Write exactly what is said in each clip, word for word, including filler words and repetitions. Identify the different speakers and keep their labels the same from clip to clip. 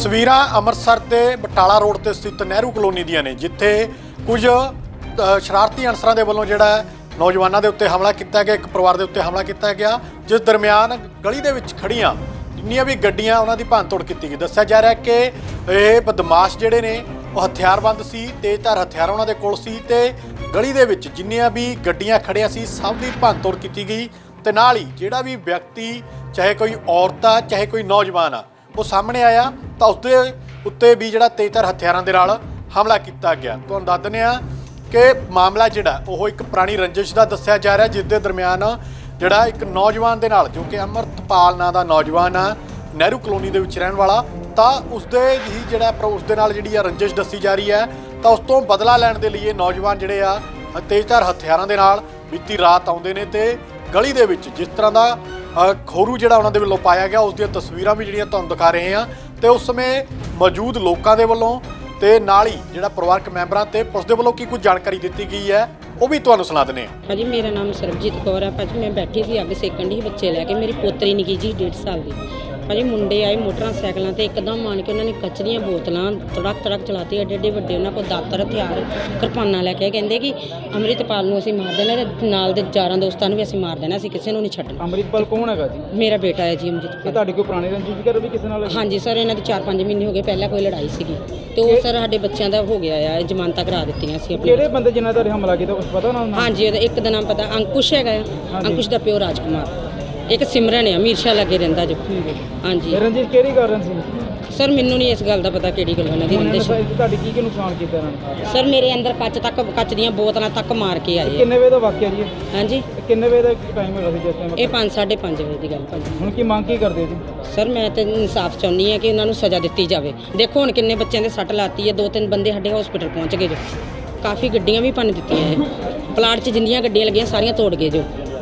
Speaker 1: ਤਸਵੀਰਾਂ ਅੰਮ੍ਰਿਤਸਰ ਦੇ ਬਟਾਲਾ ਰੋਡ ਤੇ ਸਥਿਤ ਨਹਿਰੂ ਕਲੋਨੀ ਦੀਆਂ ਨੇ, ਜਿੱਥੇ ਕੁਝ ਅ, ਸ਼ਰਾਰਤੀ ਅਨਸਰਾਂ ਦੇ ਵੱਲੋਂ ਜਿਹੜਾ ਹੈ ਨੌਜਵਾਨਾਂ ਦੇ ਉੱਤੇ ਹਮਲਾ ਕੀਤਾ ਗਿਆ। ਇੱਕ ਪਰਿਵਾਰ ਦੇ ਉੱਤੇ ਹਮਲਾ ਕੀਤਾ ਗਿਆ, ਜਿਸ ਦਰਮਿਆਨ ਗਲੀ ਦੇ ਵਿੱਚ ਖੜੀਆਂ ਜਿੰਨੀਆਂ ਵੀ ਗੱਡੀਆਂ ਉਹਨਾਂ ਦੀ ਭੰਨ ਤੋੜ ਕੀਤੀ ਗਈ। ਦੱਸਿਆ ਜਾ ਰਿਹਾ ਕਿ ਇਹ ਬਦਮਾਸ਼ ਜਿਹੜੇ ਨੇ ਉਹ ਹਥਿਆਰਬੰਦ ਸੀ, ਤੇਜ਼ਧਾਰ ਹਥਿਆਰ ਉਹਨਾਂ ਦੇ ਕੋਲ ਸੀ ਤੇ ਗਲੀ ਦੇ ਵਿੱਚ ਜਿੰਨੀਆਂ ਵੀ ਗੱਡੀਆਂ ਖੜੀਆਂ ਸੀ ਸਭ ਦੀ ਭੰਨ ਤੋੜ ਕੀਤੀ ਗਈ। ਤੇ ਨਾਲ ਹੀ ਜਿਹੜਾ ਵੀ ਵਿਅਕਤੀ, ਚਾਹੇ ਕੋਈ ਔਰਤ ਆ ਚਾਹੇ ਕੋਈ ਨੌਜਵਾਨ ਆ, ਉਹ ਸਾਹਮਣੇ ਆਇਆ ਤਾਂ ਉਸਦੇ ਉੱਤੇ ਵੀ ਜਿਹੜਾ ਤੇਜ਼ਧਾਰ ਹਥਿਆਰਾਂ ਦੇ ਨਾਲ ਹਮਲਾ ਕੀਤਾ ਗਿਆ। ਤੁਹਾਨੂੰ ਦੱਸ ਦਿੰਦੇ ਹਾਂ ਕਿ ਮਾਮਲਾ ਜਿਹੜਾ ਉਹ ਇੱਕ ਪੁਰਾਣੀ ਰੰਜਿਸ਼ ਦਾ ਦੱਸਿਆ ਜਾ ਰਿਹਾ, ਜਿਸ ਦੇ ਦਰਮਿਆਨ ਜਿਹੜਾ ਇੱਕ ਨੌਜਵਾਨ ਦੇ ਨਾਲ, ਜੋ ਕਿ ਅਮਰਤਪਾਲ ਨਾਂ ਦਾ ਨੌਜਵਾਨ ਆ, ਨਹਿਰੂ ਕਲੋਨੀ ਦੇ ਵਿੱਚ ਰਹਿਣ ਵਾਲਾ, ਤਾਂ ਉਸਦੇ ਹੀ ਜਿਹੜਾ ਉਸਦੇ ਨਾਲ ਜਿਹੜੀ ਆ ਰੰਜਿਸ਼ ਦੱਸੀ ਜਾ ਰਹੀ ਹੈ। ਤਾਂ ਉਸ ਤੋਂ ਬਦਲਾ ਲੈਣ ਦੇ ਲਈ ਇਹ ਨੌਜਵਾਨ ਜਿਹੜੇ ਆ ਤੇਜ਼ਧਾਰ ਹਥਿਆਰਾਂ ਦੇ ਨਾਲ ਬੀਤੀ ਰਾਤ ਆਉਂਦੇ ਨੇ ਤੇ ਗਲੀ ਦੇ ਵਿੱਚ ਜਿਸ ਤਰ੍ਹਾਂ ਦਾ ਖੋਰੂ ਜਿਹੜਾ ਉਹਨਾਂ ਦੇ ਵੱਲੋਂ ਪਾਇਆ ਗਿਆ, ਉਸ ਦੀਆਂ ਤਸਵੀਰਾਂ ਵੀ ਜਿਹੜੀਆਂ ਤੁਹਾਨੂੰ ਦਿਖਾ ਰਹੇ ਹਾਂ। ਤੇ ਉਸ ਸਮੇਂ ਮੌਜੂਦ ਲੋਕਾਂ ਦੇ ਵੱਲੋਂ ਤੇ ਨਾਲ ਹੀ ਜਿਹੜਾ ਪਰਿਵਾਰਕ ਮੈਂਬਰਾਂ ਤੇ ਪੁਲਿਸ ਦੇ ਵੱਲੋਂ ਕੀ ਕੁਝ ਜਾਣਕਾਰੀ ਦਿੱਤੀ ਗਈ ਹੈ, ਉਹ ਵੀ ਤੁਹਾਨੂੰ ਸੁਣਾ ਦਿੰਦੇ ਹਾਂ।
Speaker 2: ਭਾਜੀ ਮੇਰਾ ਨਾਮ ਸਰਬਜੀਤ ਕੌਰ ਹੈ। ਭਾਜੀ ਮੈਂ ਬੈਠੀ ਸੀ ਅੱਗ ਸੇਕਣ ਦੀ ਬੱਚੇ ਲੈ ਕੇ, ਮੇਰੀ ਪੋਤਰੀ ਨਿੱਕੀ ਜੀ ਡੇਢ ਸਾਲ ਦੀ। ਭਾਜੀ ਮੁੰਡੇ ਆਏ ਮੋਟਰਸਾਈਕਲਾਂ ਤੇ ਇੱਕਦਮ ਆਣ ਕੇ ਉਹਨਾਂ ਨੇ ਕੱਚ ਦੀਆਂ ਬੋਤਲਾਂ ਤੜਕ ਤੜਕ ਚਲਾਤੀ, ਐਡੇ ਐਡੇ ਵੱਡੇ ਉਹਨਾਂ ਕੋਲ ਦਾਤਰ ਹਥਿਆਰ ਕਿਰਪਾਨਾਂ ਲੈ ਕੇ ਕਹਿੰਦੇ ਕਿ ਅੰਮ੍ਰਿਤਪਾਲ ਨੂੰ ਅਸੀਂ ਮਾਰ ਦੇਣਾ ਤੇ ਨਾਲ ਦੇ ਯਾਰਾਂ ਦੋਸਤਾਂ ਨੂੰ ਵੀ ਅਸੀਂ ਮਾਰ ਦੇਣਾ, ਅਸੀਂ ਕਿਸੇ ਨੂੰ ਨਹੀਂ ਛੱਡਣਾ।
Speaker 3: ਅੰਮ੍ਰਿਤਪਾਲ ਕੌਣ ਹੈਗਾ ਜੀ?
Speaker 2: ਮੇਰਾ ਬੇਟਾ ਹੈ ਜੀ
Speaker 3: ਇਹ
Speaker 2: ਅੰਮ੍ਰਿਤਪਾਲ।
Speaker 3: ਤੁਹਾਡੇ ਕੋਈ ਪੁਰਾਣੀ ਰੰਜਿਸ਼ ਵਗੈਰਾ ਵੀ ਕਿਸੇ ਨਾਲ?
Speaker 2: ਹਾਂਜੀ ਸਰ, ਇਹਨਾਂ ਦੇ ਚਾਰ ਪੰਜ ਮਹੀਨੇ ਹੋ ਗਏ, ਪਹਿਲਾਂ ਕੋਈ ਲੜਾਈ ਸੀਗੀ ਤੇ ਉਹ ਸਰ ਸਾਡੇ ਬੱਚਿਆਂ ਦਾ ਹੋ ਗਿਆ ਆ, ਜ਼ਮਾਨਤਾਂ ਕਰਾ ਦਿੱਤੀਆਂ ਸੀ ਆਪਣੀ।
Speaker 3: ਕਿਹੜੇ ਬੰਦੇ ਜਿਨ੍ਹਾਂ ਦਾ ਹਮਲਾ ਕੀਤਾ ਕੁਝ ਪਤਾ ਉਹਨਾਂ ਨੂੰ?
Speaker 2: ਹਾਂਜੀ, ਉਹਦਾ ਇੱਕ ਦਾ ਨਾਮ ਪਤਾ, ਅੰਕੁਸ਼ ਹੈਗਾ ਆ, ਅੰਕੁਸ਼ ਦਾ ਪਿਓ ਰਾਜਕੁਮਾਰ, ਇੱਕ ਸਿਮਰਨ ਹੈ ਅਮੀਰ ਸ਼ਾਹ ਲੱਗੇ ਰਹਿੰਦਾ ਜੋ। ਹਾਂਜੀ
Speaker 3: ਰੰਜਿਸ਼ ਕਿਹੜੀ ਕਾਰਨ ਸੀ
Speaker 2: ਸਰ? ਮੈਨੂੰ ਨਹੀਂ ਇਸ ਗੱਲ ਦਾ ਪਤਾ ਕਿਹੜੀ ਗੱਲ ਉਹਨਾਂ ਦੀ ਰੰਜਿਸ਼।
Speaker 3: ਤੁਹਾਡੀ ਕੀ ਕੀ ਨੁਕਸਾਨ ਕੀਤਾ ਇਹਨਾਂ ਨੇ?
Speaker 2: ਸਰ ਮੇਰੇ ਅੰਦਰ ਕੱਚ ਤੱਕ ਕੱਚ ਦੀਆਂ ਬੋਤਲਾਂ ਤੱਕ ਮਾਰ ਕੇ ਆਏ।
Speaker 3: ਕਿੰਨੇ ਵਜੇ ਦਾ ਵਾਕਿਆ ਜੀ?
Speaker 2: ਹਾਂਜੀ
Speaker 3: ਕਿੰਨੇ ਵਜੇ ਦਾ ਟਾਈਮ ਹੈਗਾ ਸੀ ਜਿਸ ਟਾਈਮ?
Speaker 2: ਇਹ ਪੰਜ ਸਾਢੇ ਪੰਜ ਵਜੇ ਦੀ ਗੱਲ ਭਾਜੀ।
Speaker 3: ਹੁਣ ਕੀ ਮੰਗ ਕੀ ਕਰਦੇ ਜੀ?
Speaker 2: ਸਰ ਮੈਂ ਤੇ ਇਨਸਾਫ ਚਾਹੁੰਦੀ ਹਾਂ ਕਿ ਉਹਨਾਂ ਨੂੰ ਸਜ਼ਾ ਦਿੱਤੀ ਜਾਵੇ। ਦੇਖੋ ਹੁਣ ਕਿੰਨੇ ਬੱਚਿਆਂ ਦੇ ਸੱਟ ਲਾਤੀ ਹੈ, ਦੋ ਤਿੰਨ ਬੰਦੇ ਸਾਡੇ ਹਸਪੀਟਲ ਪਹੁੰਚ ਗਏ ਜੋ, ਕਾਫੀ ਗੱਡੀਆਂ ਵੀ ਭੰਨ ਦਿੱਤੀਆਂ ਇਹ ਪਲਾਟ 'ਚ ਜਿੰਨੀਆਂ ਗੱਡੀਆਂ ਲੱਗੀਆਂ ਸਾਰੀਆਂ ਤੋੜ ਗਏ ਜੋ।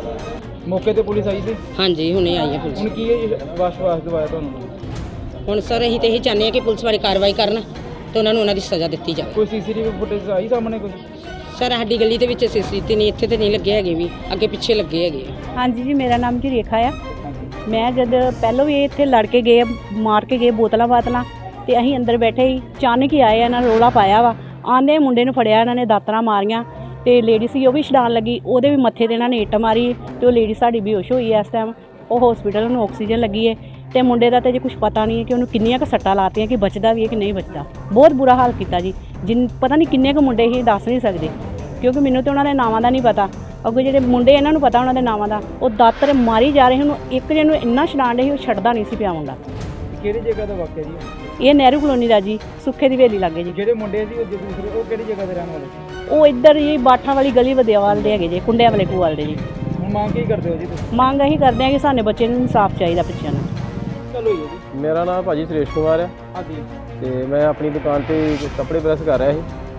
Speaker 3: ਮੌਕੇ ਤੇ ਪੁਲਿਸ ਆਈ ਸੀ?
Speaker 2: ਹਾਂਜੀ ਹੁਣੇ ਆਈ ਹੈ ਪੁਲਿਸ।
Speaker 3: ਹੁਣ ਕੀ ਵਿਸ਼ਵਾਸ ਦਿਵਾਇਆ ਤੁਹਾਨੂੰ?
Speaker 2: ਹੁਣ ਸਰ ਅਸੀਂ ਤੇ ਇਹੀ ਚਾਹੁੰਦੇ ਹਾਂ ਕਿ ਪੁਲਿਸ ਵਾਲੀ ਕਾਰਵਾਈ ਕਰਨ ਤੇ ਉਹਨਾਂ ਨੂੰ ਉਹਨਾਂ ਦੀ ਸਜ਼ਾ ਦਿੱਤੀ ਜਾਵੇ।
Speaker 3: ਕੋਈ ਸੀਸੀਟੀਵੀ ਫੁਟੇਜ ਆਈ ਸਾਹਮਣੇ ਕੁਝ?
Speaker 2: ਸਰ ਸਾਡੀ ਗਲੀ ਦੇ ਵਿੱਚ ਸੀਸੀਟੀਵੀ ਨਹੀਂ, ਇੱਥੇ ਤੇ ਨਹੀਂ ਲੱਗੇ ਹੈਗੇ, ਵੀ ਅੱਗੇ ਪਿੱਛੇ ਲੱਗੇ ਹੈਗੇ।
Speaker 4: ਹਾਂਜੀ ਜੀ, ਮੇਰਾ ਨਾਮ ਜੀ ਰੇਖਾ ਆ। ਮੈਂ ਜਦ ਪਹਿਲਾਂ ਵੀ ਇੱਥੇ ਲੜ ਕੇ ਗਏ, ਮਾਰ ਕੇ ਗਏ ਬੋਤਲਾਂ ਬਾਤਲਾਂ, ਤੇ ਅਸੀਂ ਅੰਦਰ ਬੈਠੇ ਹੀ ਅਚਾਨਕ ਹੀ ਆਏ, ਇਹਨਾਂ ਨੇ ਰੌਲਾ ਪਾਇਆ ਵਾ, ਆਂਦੇ ਮੁੰਡੇ ਨੂੰ ਫੜਿਆ, ਇਹਨਾਂ ਨੇ ਦਾਤਰਾਂ ਮਾਰੀਆਂ ਤੇ ਲੇਡੀ ਸੀ ਉਹ ਵੀ ਛਡਾਣ ਲੱਗੀ, ਉਹਦੇ ਵੀ ਮੱਥੇ ਤੇ ਇਹਨਾਂ ਨੇ ਇੱਟ ਮਾਰੀ ਤੇ ਉਹ ਲੇਡੀ ਸਾਡੀ ਬੇਹੋਸ਼ ਹੋਈ ਹੈ ਇਸ ਟਾਈਮ। ਉਹ ਹਸਪੀਟਲ ਨੂੰ ਆਕਸੀਜਨ ਲੱਗੀ ਹੈ ਤੇ ਮੁੰਡੇ ਦਾ ਤਾਂ ਜੇ ਕੁਝ ਪਤਾ ਨਹੀਂ ਹੈ ਕਿ ਉਹਨੂੰ ਕਿੰਨੀਆਂ ਕੁ ਸੱਟਾਂ ਲਾਤੀਆਂ, ਕਿ ਬਚਦਾ ਵੀ ਹੈ ਕਿ ਨਹੀਂ ਬਚਦਾ। ਬਹੁਤ ਬੁਰਾ ਹਾਲ ਕੀਤਾ ਜੀ। ਜਿਨ ਪਤਾ ਨਹੀਂ ਕਿੰਨੇ ਕੁ ਮੁੰਡੇ ਹੀ ਦੱਸ ਨਹੀਂ ਸਕਦੇ, ਕਿਉਂਕਿ ਮੈਨੂੰ ਤਾਂ ਉਹਨਾਂ ਦੇ ਨਾਵਾਂ ਦਾ ਨਹੀਂ ਪਤਾ, ਅੱਗੇ ਜਿਹੜੇ ਮੁੰਡੇ ਇਹਨਾਂ ਨੂੰ ਪਤਾ ਉਹਨਾਂ ਦੇ ਨਾਵਾਂ ਦਾ। ਉਹ ਦਾਤਰ ਮਾਰੀ ਜਾ ਰਹੇ, ਉਹਨੂੰ ਇੱਕ ਜਿਹਨੂੰ ਇੰਨਾ ਛਡਾਣ ਰਹੇ, ਉਹ ਛੱਡਦਾ ਨਹੀਂ ਸੀ ਪਿਆ ਮੁੰਡਾ।
Speaker 3: ਕਿਹੜੀ ਜਗ੍ਹਾ ਦਾ ਵਾਕਿਆ ਜੀ?
Speaker 4: ਇਹ ਨਹਿਰੂ ਕਲੋਨੀ ਦਾ ਜੀ, ਸੁੱਖੇ ਦੀ ਹਵੇਲੀ ਲੱਗੇ ਜੀ।
Speaker 3: ਜਿਹੜੇ ਮੁੰਡੇ ਸੀ ਉਹ ਦੂਸਰੇ, ਉਹ ਕਿਹੜੀ ਜਗ੍ਹਾ ਦੇ ਰਹਿਣ ਵਾਲੇ ਸੀ?
Speaker 4: ਉਹ ਇੱਧਰ ਜੀ ਬਾਠਾਂ ਵਾਲੀ ਗਲੀ ਵਦਿਆਵਾਲ ਦੇ ਹੈਗੇ ਜੀ, ਕੁੰਡਿਆਂ ਵਾਲੇ ਕੋਲ ਦੇ ਜੀ।
Speaker 3: ਹੁਣ ਮੰਗ ਕੀ ਕਰਦੇ ਹੋ ਜੀ ਤੁਸੀਂ?
Speaker 4: ਮੰਗ ਇਹੀ ਕਰਦੇ ਆ ਕਿ ਸਾਡੇ ਬੱਚੇ ਨੂੰ ਇਨਸਾਫ ਚਾਹੀਦਾ ਬੱਚਿਆਂ ਨੂੰ।
Speaker 3: ਚਲੋ ਜੀ।
Speaker 5: ਮੇਰਾ ਨਾਮ ਭਾਜੀ ਸੁਰੇਸ਼ ਕੁਮਾਰ ਹੈ
Speaker 3: ਹਾਂਜੀ।
Speaker 5: ਤੇ ਮੈਂ ਆਪਣੀ ਦੁਕਾਨ ਤੇ ਕੱਪੜੇ ਪ੍ਰੈਸ ਕਰ ਰਿਹਾ ਸੀ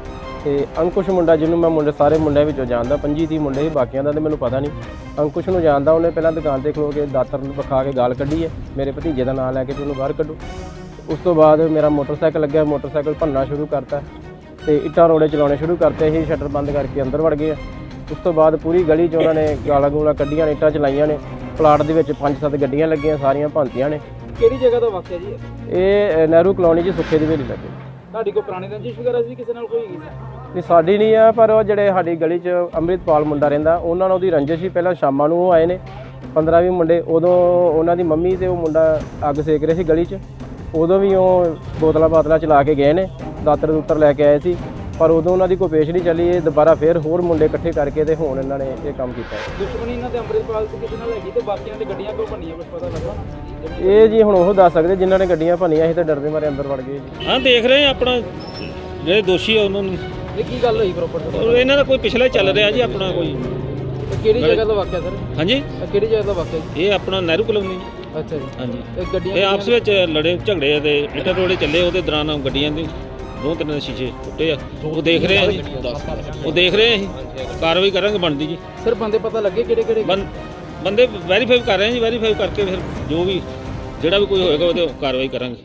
Speaker 5: ਤੇ ਅੰਕੁਸ਼ ਮੁੰਡਾ, ਜਿਹਨੂੰ ਮੈਂ ਮੁੰਡੇ ਸਾਰੇ ਮੁੰਡਿਆਂ ਵਿੱਚੋਂ ਜਾਣਦਾ, ਪੰਜੀ ਤੀਹ ਮੁੰਡੇ ਸੀ, ਬਾਕੀਆਂ ਦਾ ਤੇ ਮੈਨੂੰ ਪਤਾ ਨਹੀਂ। ਅੰਕੁਸ਼ ਨੂੰ ਜਾਣਦਾ, ਉਹਨੇ ਪਹਿਲਾਂ ਦੁਕਾਨ ਤੇ ਖਲੋ ਕੇ ਦਾਤਰ ਨੂੰ ਵਿਖਾ ਕੇ ਗਾਲ ਕੱਢੀ ਹੈ, ਮੇਰੇ ਭਤੀਜੇ ਦਾ ਨਾਮ ਲੈ ਕੇ ਉਹਨੂੰ ਬਾਹਰ ਕੱਢੋ। ਉਸ ਤੋਂ ਬਾਅਦ ਮੇਰਾ ਮੋਟਰਸਾਈਕਲ ਲੱਗਿਆ, ਮੋਟਰਸਾਈਕਲ ਭੰਨਣਾ ਸ਼ੁਰੂ ਕਰਤਾ ਤੇ ਇੱਟਾਂ ਰੋੜੇ ਚਲਾਉਣੇ ਸ਼ੁਰੂ ਕਰਤੇ। ਅਸੀਂ ਸ਼ਟਰ ਬੰਦ ਕਰਕੇ ਅੰਦਰ ਵੜ ਗਏ। ਉਸ ਤੋਂ ਬਾਅਦ ਪੂਰੀ ਗਲੀ 'ਚ ਉਹਨਾਂ ਨੇ ਗਾਲਾਂ ਗੂਲਾਂ ਕੱਢੀਆਂ ਨੇ, ਇੱਟਾਂ ਚਲਾਈਆਂ ਨੇ। ਪਲਾਟ ਦੇ ਵਿੱਚ ਪੰਜ ਸੱਤ ਗੱਡੀਆਂ ਲੱਗੀਆਂ, ਸਾਰੀਆਂ ਭੰਨਤੀਆਂ ਨੇ।
Speaker 3: ਕਿਹੜੀ ਜਗ੍ਹਾ ਦਾ ਵਾਕਿਆ ਜੀ?
Speaker 5: ਇਹ ਨਹਿਰੂ ਕਲੋਨੀ 'ਚ ਸੁੱਖੇ ਦੀ ਹਵੇਲੀ ਲੱਗੇ।
Speaker 3: ਤੁਹਾਡੀ ਕੋਈ ਪੁਰਾਣੀ ਰੰਜਿਸ਼ ਵਗੈਰਾ ਸੀ ਕਿਸੇ ਨਾਲ? ਕੋਈ ਹੈਗੀ ਸੀ?
Speaker 5: ਨਹੀਂ ਸਾਡੀ ਨਹੀਂ ਆ, ਪਰ ਉਹ ਜਿਹੜੇ ਸਾਡੀ ਗਲੀ 'ਚ ਅੰਮ੍ਰਿਤਪਾਲ ਮੁੰਡਾ ਰਹਿੰਦਾ, ਉਹਨਾਂ ਨਾਲ ਉਹਦੀ ਰੰਜਿਸ਼ ਸੀ। ਪਹਿਲਾਂ ਸ਼ਾਮਾਂ ਨੂੰ ਉਹ ਆਏ ਨੇ ਪੰਦਰਾਂ ਵੀਹ ਮੁੰਡੇ, ਉਦੋਂ ਉਹਨਾਂ ਦੀ ਮੰਮੀ ਤੇ ਉਹ ਮੁੰਡਾ ਅੱਗ ਸੇਕ ਰਹੇ ਸੀ ਗਲੀ 'ਚ। ਉਦੋਂ ਵੀ ਉਹ ਬੋਤਲਾਂ ਬਾਤਲਾਂ ਚਲਾ ਕੇ ਗਏ ਨੇ, ਦਾਤਰ ਦੂਤਰ ਲੈ ਕੇ ਆਏ ਸੀ, ਪਰ ਉਦੋਂ ਉਹਨਾਂ ਦੀ ਕੋਈ ਪੇਸ਼ ਨਹੀਂ ਚੱਲੀ। ਇਹ ਦੁਬਾਰਾ ਫਿਰ ਹੋਰ ਮੁੰਡੇ ਇਕੱਠੇ ਕਰਕੇ ਤੇ ਹੁਣ ਇਹਨਾਂ ਨੇ ਇਹ ਕੰਮ ਕੀਤਾ।
Speaker 3: ਦੁਸ਼ਮਣੀ ਇਹਨਾਂ ਦੇ ਅੰਮ੍ਰਿਤਪਾਲ ਤੋਂ ਕਿਸੇ ਨਾਲ ਹੈਗੀ ਤੇ ਬਾਕੀਆਂ ਦੇ ਗੱਡੀਆਂ ਕਿਉਂ ਭੰਨੀਆਂ, ਕੁਝ ਪਤਾ ਲੱਗਾ?
Speaker 5: ਇਹ ਜੀ ਹੁਣ ਉਹ ਦੱਸ ਸਕਦੇ ਜਿਨ੍ਹਾਂ ਨੇ ਗੱਡੀਆਂ ਭੰਨੀਆਂ ਸੀ ਤੇ ਡਰਦੇ ਮਾਰੇ ਅੰਦਰ ਵੜ ਗਏ ਜੀ।
Speaker 6: ਹਾਂ ਦੇਖ ਰਹੇ ਆ ਆਪਣਾ ਜਿਹੜੇ ਦੋਸ਼ੀ ਆ ਉਹਨਾਂ ਨੂੰ।
Speaker 3: ਇਹ ਕੀ ਗੱਲ ਹੋਈ ਪ੍ਰੋਪਰ?
Speaker 6: ਇਹਨਾਂ ਦਾ ਕੋਈ ਪਿਛਲਾ ਚੱਲ ਰਿਹਾ ਜੀ ਆਪਣਾ ਕੋਈ।
Speaker 3: ਕਿਹੜੀ ਜਗ੍ਹਾ ਦਾ ਵਾਕਿਆ ਸਰ?
Speaker 6: ਹਾਂਜੀ
Speaker 3: ਕਿਹੜੀ ਜਗ੍ਹਾ ਦਾ ਵਾਕਿਆ ਜੀ?
Speaker 6: ਇਹ ਆਪਣਾ ਨਹਿਰੂ ਕਲੋਨੀ ਜੀ।
Speaker 3: ਅੱਛਾ ਜੀ।
Speaker 6: ਹਾਂਜੀ
Speaker 3: ਇਹ ਗੱਡੀਆਂ
Speaker 6: ਇਹ ਆਪਸ ਵਿੱਚ ਲੜੇ ਝਗੜੇ ਤੇ ਇੱਟਾਂ ਰੋੜੇ ਚੱਲੇ, ਉਹਦੇ ਦੌਰਾਨ ਗੱਡੀਆਂ ਦੇ ਦੋ ਤਿੰਨ ਸ਼ੀਸ਼ੇ ਟੁੱਟੇ ਆ। ਉਹ ਦੇਖ ਰਹੇ ਆ ਜੀ, ਉਹ ਦੇਖ ਰਹੇ ਆ ਅਸੀਂ, ਕਾਰਵਾਈ ਕਰਾਂਗੇ ਬਣਦੀ ਜੀ।
Speaker 3: ਸਰ ਬੰਦੇ ਪਤਾ ਲੱਗੇ ਕਿਹੜੇ ਕਿਹੜੇ?
Speaker 6: ਬੰਦੇ ਵੈਰੀਫਾਈ ਕਰ ਰਹੇ ਆ ਜੀ, ਵੈਰੀਫਾਈ ਕਰਕੇ ਫਿਰ ਜੋ ਵੀ ਜਿਹੜਾ ਵੀ ਕੋਈ ਹੋਏਗਾ ਉਹਦੇ ਕਾਰਵਾਈ ਕਰਾਂਗੇ।